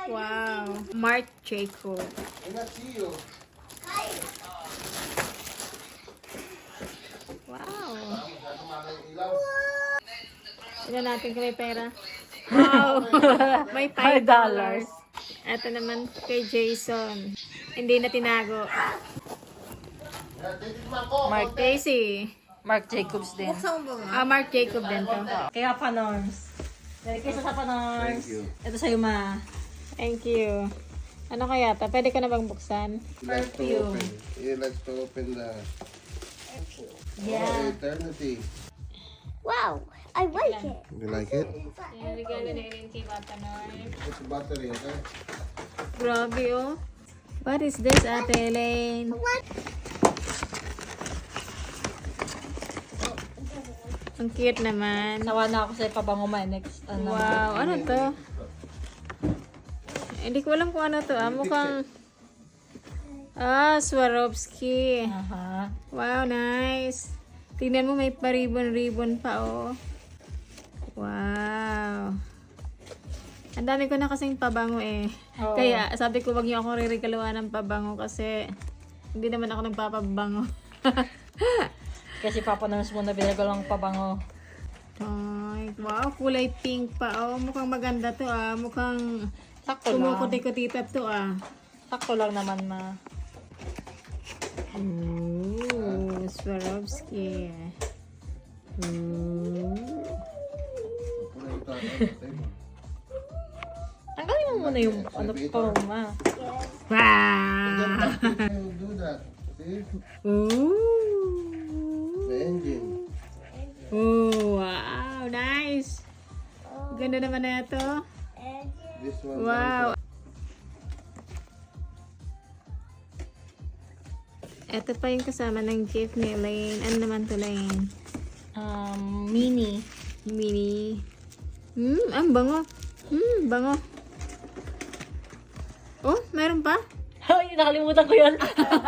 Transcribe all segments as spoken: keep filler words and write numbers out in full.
Wow. Marc Jacob. Wow. Tignan natin kung may pera. Wow. May five dollars. Ito naman kay Jason. Hindi na tinago. Marc, Casey. Marc Jacobs din. Ah, Marc Jacob din to. Kaya Panorms. Dedication sa Panorms. Ito sa'yo, ma. Thank you. Ano kaya to? Pwede ko na bang buksan? Perfume. He likes to open the Yeah. eternity. Wow, I like it. You like it? Yung regalo na rin kay Bata Norm. It's a battery, okay? Grabe oh. What is this, Ate Elaine? What? Ang cute naman. Sawa na ako sa pabango, ma. Next. Ano, Wow, ano to? Hindi ko alam kung ano to. Ah, mukhang... Ah, Swarovski. Aha. Wow, nice. Tingnan mo, may pa-ribbon-ribbon pa, oh. Wow. Ang dami ko na kasing pabango, eh. Oo. Kaya, sabi ko, wag niyo ako ririkaluan ng pabango kasi hindi naman ako nagpapabango. Kasi Papa Norms mo na binagalang pabango. Ay, wow, kulay pink pa, oh. Mukhang maganda to, ah. Mukhang Sakto lang. kumukuti-kutita to, ah. Sakto lang naman, ma. Ooh, Swarovski. Ooh. Tanggalin mo muna yung ano pa, ma. Wow! You do that. See? Ooh. The engine. Ooh, wow, nice. Ganda naman na ito. This one. Wow. Ito pa yung kasama ng gift ni Elaine. Ano naman to, Elaine? Um, mini. Mini. Hmm, ang bango. Hmm, bango. Oh, meron pa? Ay, nakalimutan ko yun.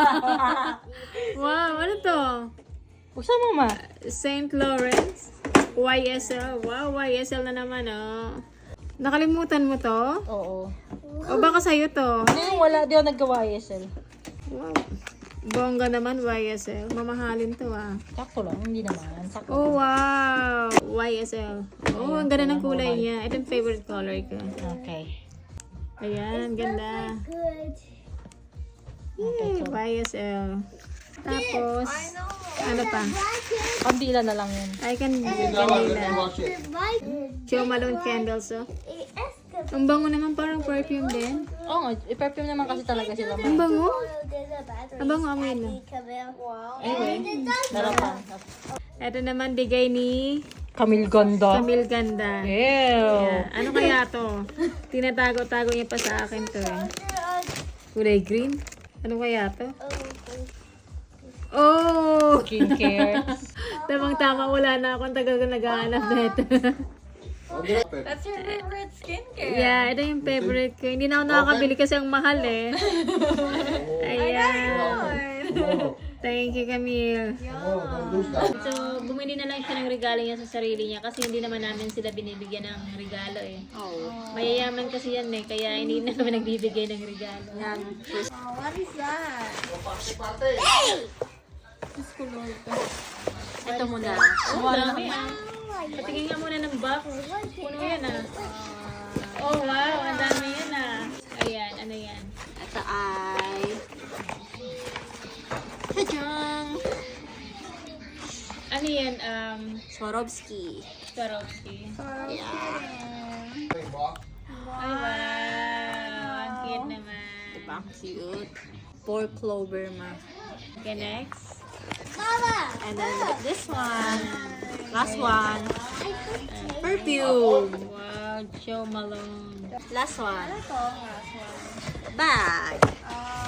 Wow, ano to? Buksan mo, ma. Saint Lawrence. Y S L. Wow, Y S L na naman, oh. Nakalimutan mo to? Oo. O baka sa'yo to? Hindi, wala. Di ako naggawa Y S L. Wow. Bongga naman, Y S L. Mamahalin to, ah. Sakto lang. Hindi naman. Sakto. Oh, wow. Y S L. Oh, ang ganda ng kulay niya. Ito yung favorite color ko. Okay. Ayan, ganda. Good. Yay, Y S L. Tapos, ano pa? Kandila na lang yun. I can That one, let me wash it. Jo Malone candles, oh. Ang bango naman, parang perfume din. Oo nga. I-perfume naman kasi talaga sila, Ang ma. bango. Ang bango, amoy na. Anyway. Narapan. Ito naman, bigay ni Camille Ganda. Camille Ganda. Ew. Yeah. Ano kaya to? Tinatago-tago niya pa sa akin to, eh. Kulay green? Ano kaya to? Oh! Skincare. Tamang-tama, wala na akong tagal ko naghahanap na ito. That's your favorite skincare. Yeah, ito yung favorite ko. Hindi na ako nakakabili kasi ang mahal eh. Ayan. Thank you, Camille. Oh, don't lose that. So, bumili na lang siya ng regalo niya sa sarili niya kasi hindi naman namin sila binibigyan ng regalo eh. Mayayaman kasi yan eh, kaya hindi na kami nagbibigay ng regalo. Oh, what is that? Ito muna. Oh, dami ah. Patingin nga muna ng box. Puno yan ah. Oh, wow. Ang dami yan ah. Ayan, ano yan? Ito ay... Tadang! Ano yan? Um, Swarovski. Swarovski. Yeah. Hey, box. Ay, wow. Ang cute naman. Diba? Cute. Four clover, ma. Okay, next. Mama! And then this one. Last one. Perfume. Wow, Jo Malone. Last one. Bag.